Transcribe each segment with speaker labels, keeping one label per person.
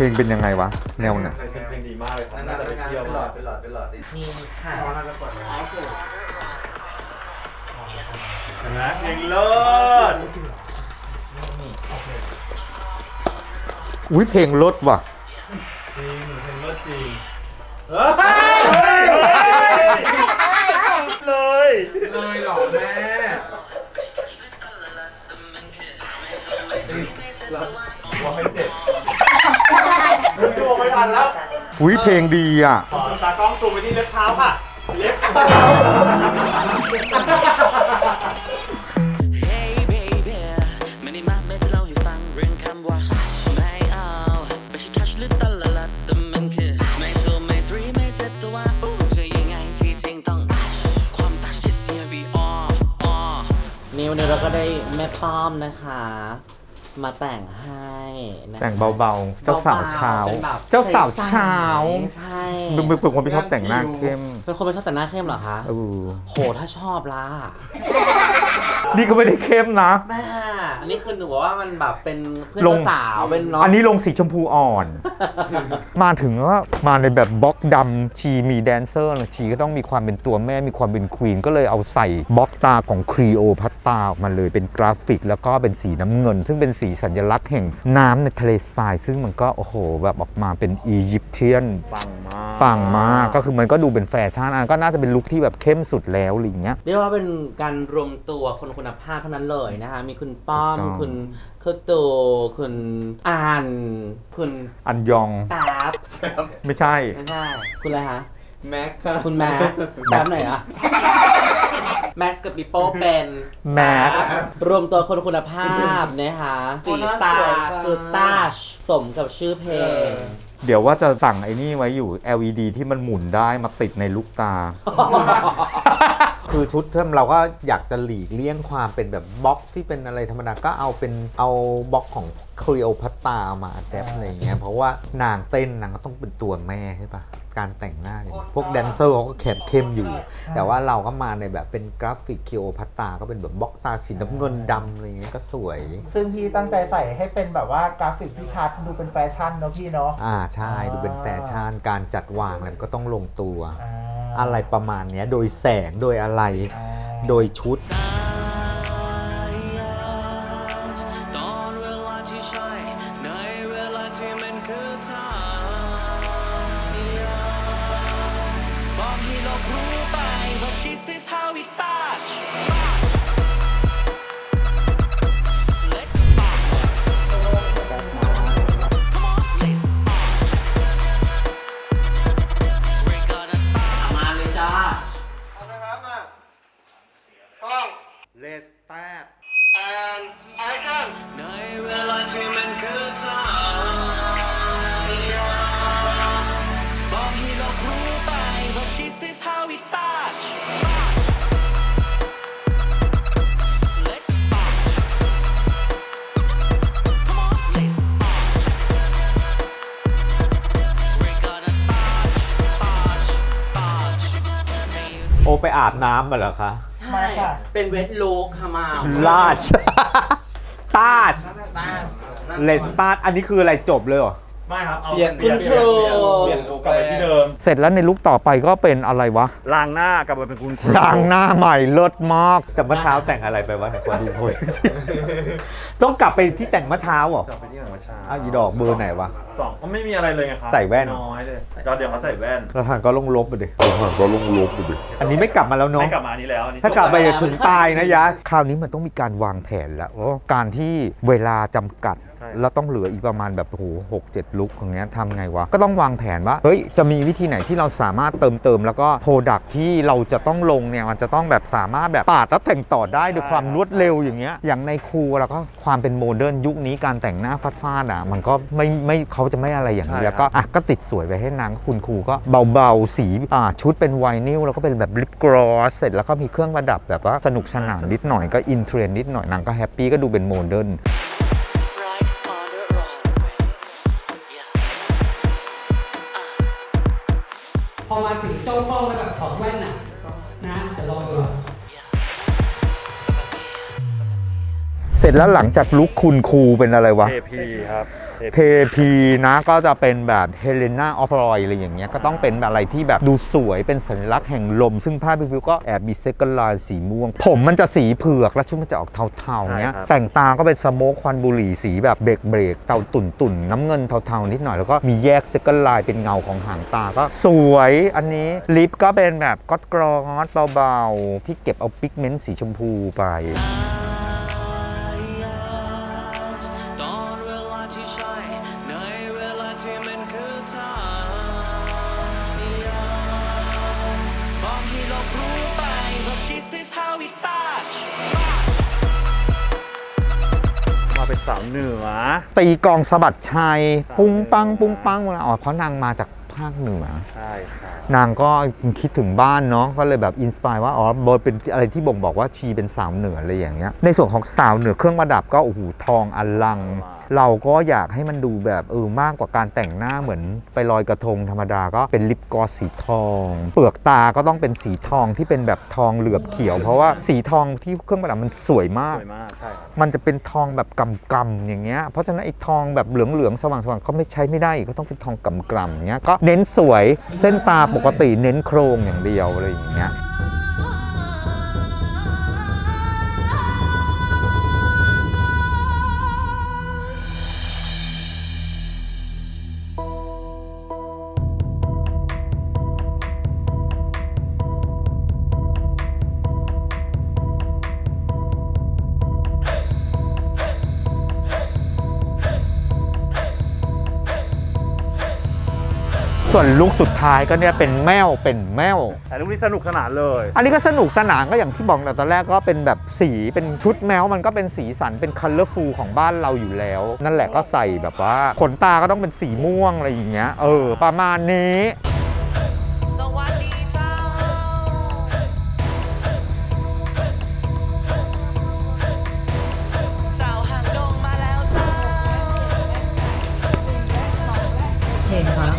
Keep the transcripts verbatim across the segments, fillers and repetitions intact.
Speaker 1: ลงเป็นยังไงวะแนวเนี่ย
Speaker 2: เพลงดีมากเลยครับน่าจะไปเที่ยวมากเป็นหลอดเป็นหลอดนี่ค่ะเห็นไหมเพลงเลิศ
Speaker 1: อุ้ยเพลงลดว่ะ
Speaker 2: จริงเพลงเลิศจริงเลยเลยหรอแม่หัวไม่เด็ดดูไม่ทันแล้ว
Speaker 1: อุ้ยเพลงดีอ่ะ
Speaker 2: ขอตากล้องซูมไปที่เล็บเท้าค่ะเล็บเท้า
Speaker 3: นิวเนี่ยเราก็ได้แม่ป้อมนะคะมาแต่งให้
Speaker 1: แต่งเบาๆเจ้าสาวเช้าเจ้าสาวเช้า
Speaker 3: ใช่
Speaker 1: เป็นคนไม่ชอบแต่งหน้าเข้ม
Speaker 3: เป็นคนไม่ชอบแต่งหน้าเข้มเหรอคะ
Speaker 1: เออ
Speaker 3: โหถ้าชอบล่ะ
Speaker 1: นี่ก็ไม่ได้เข้มนะ
Speaker 3: แม่อันนี้คือหนูว่ามันแบบเป็นเพื่อนสาวเป็นน้อง
Speaker 1: อันนี้ลงสีชมพูอ่อนมาถึงว่ามาในแบบบล็อกดำชีมีแดนเซอร์ชีก็ต้องมีความเป็นตัวแม่มีความเป็นควีนก็เลยเอาใส่บล็อกตาของครีโอพัตตาออกมาเลยเป็นกราฟิกแล้วก็เป็นสีน้ำเงินซึ่งเป็นสีสัญลักษณ์แห่งน้ำในทะเลทรายซึ่งมันก็โอ้โหแบบออกมาเป็นอียิปเทียน
Speaker 2: ปังมาก
Speaker 1: ปังมากก็คือมันก็ดูเป็นแฟชั่นอันก็น่าจะเป็นลุคที่แบบเข้มสุดแล้วอะไรอย่างเงี้ย
Speaker 3: เรียกว่าเป็นการรวมตัวคนคุณภาพเท่านั้นเลยนะคะมีคุณป้อมคุณคือตูคุณอันคุณ
Speaker 1: อันยอง
Speaker 3: แป๊บ
Speaker 1: ไม่ใช่
Speaker 3: ไม่ใช่คุณอะไรคะ
Speaker 2: แม็ก
Speaker 3: คุณแม็กแป๊บไหนอะแม็กกับปิโป้เป็น
Speaker 1: แม็ก
Speaker 3: รวมตัวคนคุณภาพนะคะสีตาคือตาชสมกับชื่อเพลง
Speaker 1: เดี๋ยวว่าจะสั่งไอ้นี่ไว้อยู่ แอล อี ดี ที่มันหมุนได้มาติดในลูกตาคือชุดเราก็อยากจะหลีกเลี่ยงความเป็นแบบบล็อกที่เป็นอะไรธรรมดาก็เอาเป็นเอาบล็อกของคลีโอพัตตามาแดปอะไรเงี้ยเพราะว่านางเต้นนางก็ต้องเป็นตัวแม่ใช่ปะการแต่งหน้าเนี่ยพวกแดนเซอร์เขาก็แขนเข้มอยู่แต่ว่าเราก็มาในแบบเป็นกราฟิกคลีโอพัตตาก็เป็นแบบบล็อกตาสีน้ำเงินดำอะไรเงี้ยก็สวย
Speaker 4: ซึ่งพี่ตั้งใจใส่ให้เป็นแบบว่ากราฟิกที่ชัดดูเป็นแฟชั่นเนาะพี่เนาะ
Speaker 1: อ่าใช่ดูเป็นแฟชั่นการจัดวางอะไรก็ต้องลงตัวอะไรประมาณนี้โดยแสงโดยอะไรโดยชุดLet's start and action ในเวลาที่มันคือทางบอกให้เรารู้ไปว่า this is how we touch Let's start Come on let's start We're gonna touch touch touch โอไปอาบน้ำมาเหรอคะ
Speaker 3: ใช่เป็นเวทลูกค่ะมา
Speaker 1: ลาชตาชเลสตาร์อันนี้คืออะไรจบเลยเหรอ
Speaker 2: ไม่ครับเอา
Speaker 3: เปลี่ยนเปลี่ยนเป
Speaker 2: ลี่ยนลุคกลับไปที่เดิม
Speaker 1: เสร็จแล้วในลุคต่อไปก็เป็นอะไรวะ
Speaker 2: ล้างหน้ากลับมาเป็นคุณ
Speaker 1: ล้างหน้าใหม่เลิศมากแต่เมื่อเช้าแต่งอะไรไปวะไหนขอดูหน่อยต้องกลับไปที่แต่งเมื่อเช้าเหรอก
Speaker 2: ลับไปที่แต่งเมื่อเช้า
Speaker 1: อ้าวอีดอกเบอร์ไหนวะ
Speaker 2: สองก็ไม่มีอะไรเลยไงครับ
Speaker 1: ใส่แว่น
Speaker 2: น้อยเลยก็เดี๋ยวเขาใส่แว่น
Speaker 1: แล้วทางก็ลงลบไปดิทางก็ลงลบไปดิอันนี้ไม่กลับมาแล้วเนาะ
Speaker 2: ไม่กลับมานี้แล้ว
Speaker 1: ถ้ากลับไปถึงตายนะยะคราวนี้มันต้องมีการวางแผนแล้วการที่เวลาจำกัดแล้วต้องเหลืออีกประมาณแบบโอ้โหหกเจ็ดลุคอย่างเงี้ยทำไงวะก็ต้องวางแผนว่าเฮ้ยจะมีวิธีไหนที่เราสามารถเติมเติมแล้วก็โปรดักที่เราจะต้องลงเนี่ยมันจะต้องแบบสามารถแบบปาดแล้วแต่งต่อได้ด้วยความรวดเร็วอย่างเงี้ยอย่างในครูแล้วก็ความเป็นโมเดิร์นยุคนี้การแต่งหน้าฟาดฟาดอ่ะมันก็ไม่ไม่เขาจะไม่อะไรอย่างนี้แล้วก็อ่ะก็ติดสวยไปให้นางคุณครูก็เบาๆสีอ่าชุดเป็นไวนิลแล้วก็เป็นแบบลิปกลอสเสร็จแล้วก็มีเครื่องประดับแบบว่าสนุกสนานนิดหน่อยก็อินเทรนด์นิดหน่อยนางก็แฮปปี้ก็ดูเป็นโมเดิร์น
Speaker 5: พอมาถึงจ้องกล้องแล้วแบบถอดแว่นน่ะนะแต่ลองดู
Speaker 1: เสร็จแล้วหลังจากลุคคุณครูเป็นอะไรวะ
Speaker 2: เทพีครับเท
Speaker 1: เทพีนะก็จะเป็นแบบเฮเลนาออฟรอยอะไรอย่างเงี้ยก็ต้องเป็นอะไรที่แบบดูสวยเป็นสัญลักษณ์แห่งลมซึ่งผ้าพิวก็แอบมีเซกลายสีม่วงผมมันจะสีเผือกแล้วชุดมันจะออกเทาๆเงี้ยแต่งตาก็เป็นสโมกควันบุหรี่สีแบบเบรกเบรกเตาตุ่นตุ่นน้ำเงินเทาๆนิดหน่อยแล้วก็มีแยกเซกลายเป็นเงาของหางตาก็สวยอันนี้ลิปก็เป็นแบบก๊อตกรอสเบาๆที่เก็บเอาพิกเมนต์สีชมพูไป
Speaker 2: เป็นสาวเหนือ
Speaker 1: ตีกองสะบัดชัยปุ้งปังปุ้งปังอ๋อเพราะนางมาจากภาคเหนือ
Speaker 2: ใช่ครับ
Speaker 1: นางก็คิดถึงบ้านเนาะก็เลยแบบอินสปายว่าอ๋อโบเป็นอะไรที่บ่งบอกว่าชีเป็นสาวเหนืออะไรอย่างเงี้ยในส่วนของสาวเหนือเครื่องประดับก็โอ้โหทองอลังเราก็อยากให้มันดูแบบเออมากกว่าการแต่งหน้าเหมือนไปลอยกระทงธรรมดาก็เป็นลิปกลอสสีทองเปลือกตาก็ต้องเป็นสีทองที่เป็นแบบทองเหลือบเขียวเพราะว่าสีทองที่เครื่องประดับมันสวยมาก
Speaker 2: สวยมากใช่
Speaker 1: มันจะเป็นทองแบบกำๆอย่างเงี้ยเพราะฉะนั้นไอ้ทองแบบเหลืองๆสว่างๆก็ไม่ใช้ไม่ได้ก็ต้องเป็นทองกำๆอย่างเงี้ยก็เน้นสวยเส้นตาปกติเน้นโครงอย่างเดียวอะไรอย่างเงี้ยส่วนลุคสุดท้ายก็เนี่ยเป็นแมวเป็นแมว
Speaker 2: แต่ลุคนี้สนุกสนานเลย
Speaker 1: อันนี้ก็สนุกสนานก็อย่างที่บอกแต่ตอนแรกก็เป็นแบบสีเป็นชุดแมวมันก็เป็นสีสันเป็นคัลเลอร์ฟูลของบ้านเราอยู่แล้วนั่นแหละก็ใส่แบบว่าขนตาก็ต้องเป็นสีม่วงอะไรอย่างเงี้ยเออประมาณนี้
Speaker 5: เห็นครับ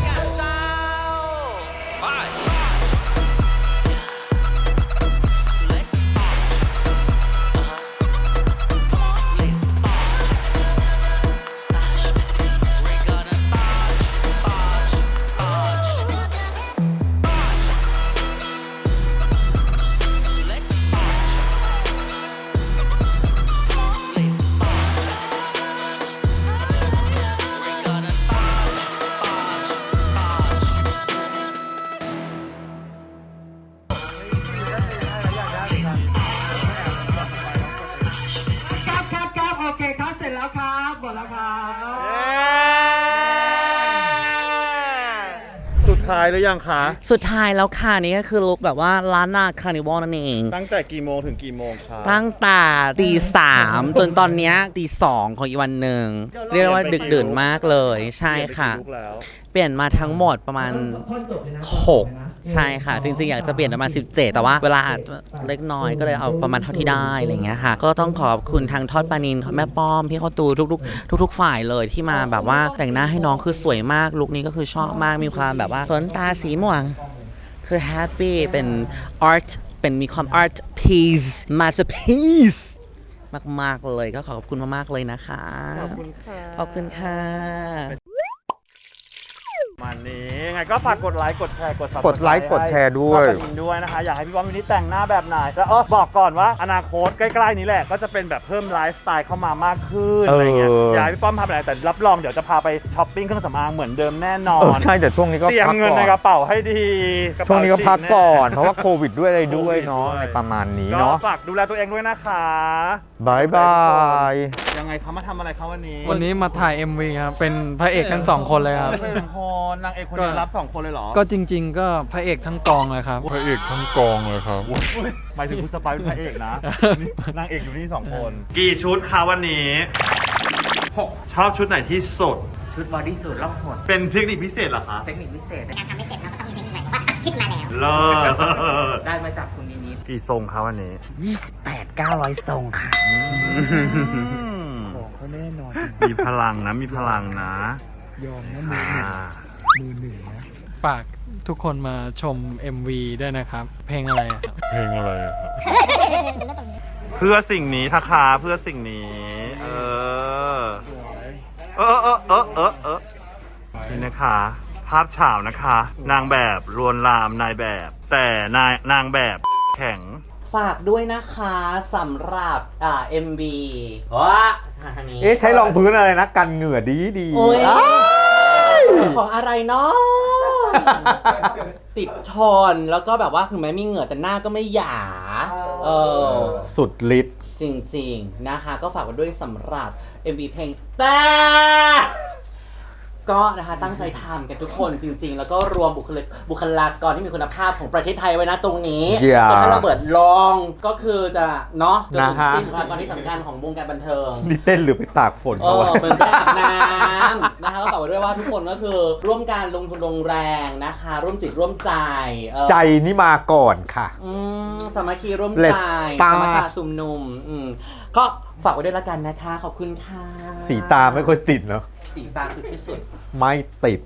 Speaker 5: แล้วครับหมดแล้วครับ
Speaker 2: สุดท้ายหรือยังคะ
Speaker 3: สุดท้ายแล้วค่ะนี่ก็คือลุคแบบว่าล้านนาคาร์นิวัลนั่นเอง
Speaker 2: ตั้งแต่กี่โมงถึงกี่โมงคะ
Speaker 3: ตั้งแต่ตีสามจนตอนนี้ตีสองของอีกวันหนึ่งเรียกว่าดึกดื่นมากเลยใช่ค่ะเปลี่ยนมาทั้งหมดประมาณหกใช่ค่ะจริงๆอยากจะเปลี่ยนประมาณสิบเจ็ดแต่ว่าเวลาเล็กน้อยก็เลยเอาประมาณเท่าที่ได้อะไรเงี้ยค่ะก็ต้องขอบคุณทางทอดปานินแม่ป้อมพี่ข้าวตูทุกๆทุกๆฝ่ายเลยที่มาแบบว่าแต่งหน้าให้น้องคือสวยมากลุคนี้ก็คือชอบมากมีความแบบว่าขนตาสีม่วงคือแฮปปี้เป็นอาร์ตเป็นมีความอาร์ตพีซมาสเตอร์พีซมากๆเลยก็ขอบคุณมากๆเลยนะคะ
Speaker 2: ขอบคุณค่ะ
Speaker 3: ขอบคุณค่ะ
Speaker 2: มันนี้ยังไงก็ฝากกดไลค์กดแชร์กด
Speaker 1: กดไลค์กดแชร์ด้วย
Speaker 2: ด้วยนะคะอยากให้พี่ป้อมวันนี้แต่งหน้าแบบไหนแล้วอ๋อบอกก่อนว่าอนาคตใกล้ๆนี้แหละก็จะเป็นแบบเพิ่มไลฟ์สไตล์เข้ามามากขึ้นอะไรเงี้ยอยากให้พี่ป้อมทำอะไรแต่รับรองเดี๋ยวจะพาไปช้อปปิ้งเครื่องสำอางเหมือนเดิมแน่นอน
Speaker 1: ใช่แต่ช่วงนี้ก็
Speaker 2: เตรียมเงินในกระเป๋าให้ดี
Speaker 1: ช่วงนี้ก็พักก่อนเพราะว่าโควิดด้วยอะไรด้วยเนาะในประมาณนี้เนาะ
Speaker 2: ฝากดูแลตัวเองด้วยนะคะ
Speaker 1: บายบาย
Speaker 2: ยังไงเขามาทำอะไรเขาวันนี้
Speaker 6: วันนี้มาถ่าย เอ็ม วี ครับเป็นพระเอกทั้งสองคนเลยครับ
Speaker 2: เป็นคนนางเอกคนเดียวรับสองคนเลยเหรอ
Speaker 6: ก็จริงๆก็พระเอกทั้งกองเลยครับ
Speaker 7: พระเอกทั้งกองเลยครับ
Speaker 2: หมายถึงคุณสไปร์เป็นพระเอกนะนางเอกอยู่นี่สองคนกี่ชุดคะวันนี้หกชอบชุดไหนที่สุด
Speaker 3: ชุดบอดี้สูทล่องหน
Speaker 2: เป็นเทคนิคพิเศษเหรอคะ
Speaker 3: เทคนิคพิเศษ
Speaker 8: การทำไม่เสร็จเราก็ต้องมีเทคนิคใหม่ว่าคิดมาแล้ว
Speaker 2: เลิศ
Speaker 3: ได้มาจากคุณนินิด
Speaker 2: กี่ทรงคะวันนี้
Speaker 3: ยี่สิบแปด เก้าร้อยทรงค่ะ
Speaker 2: ของเขาแน่นอนมีพลังนะมีพลังนะ
Speaker 6: ยอมนะมือหนึ่งมือหนึ่งนะฝากทุกคนมาชม เอ็ม วี ด้วยนะครับเพลงอะไรครับ
Speaker 7: เพลงอะไรครับ
Speaker 2: เพื่อสิ่งนี้ทะคาเพื่อสิ่งนี้เออเออเออเออเออเออนี่นะคะ ภาพเฉานะคะ นางแบบลวนลามนายแบบ แต่นายนางแบบแข็ง
Speaker 3: ฝากด้วยนะคะสำหรับอ่า เอ็ม วี ว้าทางนี้
Speaker 1: เอ๊ะใช้รองพื้นอะไรนะ กันเหงื่อดีดี
Speaker 3: โอ้ย
Speaker 1: อ้าย
Speaker 3: ของอะไรเนาะ ติดทนแล้วก็แบบว่าถึงแม้มีเหงื่อแต่หน้าก็ไม่หยาเออ
Speaker 1: สุดฤทธิ์
Speaker 3: จริงๆนะคะก็ฝากไว้ด้วยสำหรับ เอ็ม วี เพลงแต่ก็นะคะตั้งใจทำกันทุกคนจริง ๆ แล้วก็รวมบุคลากบุคลากรที่มีคุณภาพของประเทศไทยไว้นะตรงนี้
Speaker 1: อย่า
Speaker 3: แต่ถ้าเราเบิดลองก็คือจะเนาะจะถึง
Speaker 1: นะฮะ
Speaker 3: สิ้นบุคลากรที่สำคัญของวงการบันเทิง
Speaker 1: นี่เต้นหรือไปตากฝน
Speaker 3: เอ
Speaker 1: เขา
Speaker 3: อ
Speaker 1: วะ
Speaker 3: เหมือนได้อาบน้ำนะคะก็ฝากไว้ด้วยว่าทุกคนก็คือร่วมการลงทุนลงแรงนะคะ ร่วมจิตร่วมใจเออ
Speaker 1: ใจนี่มาก่อนค่ะ
Speaker 3: อืมสามัคคีร่วม
Speaker 1: Let's
Speaker 3: ใจ
Speaker 1: pass
Speaker 3: ธรรมชาติสุมนุมอืมก็ฝากไว้ด้วยละกันนะคะ ขอบคุณค่ะ
Speaker 1: สีตาไม่ค่อยติดเนาะ
Speaker 3: สีตาคือที่สุด
Speaker 1: ไม่ติด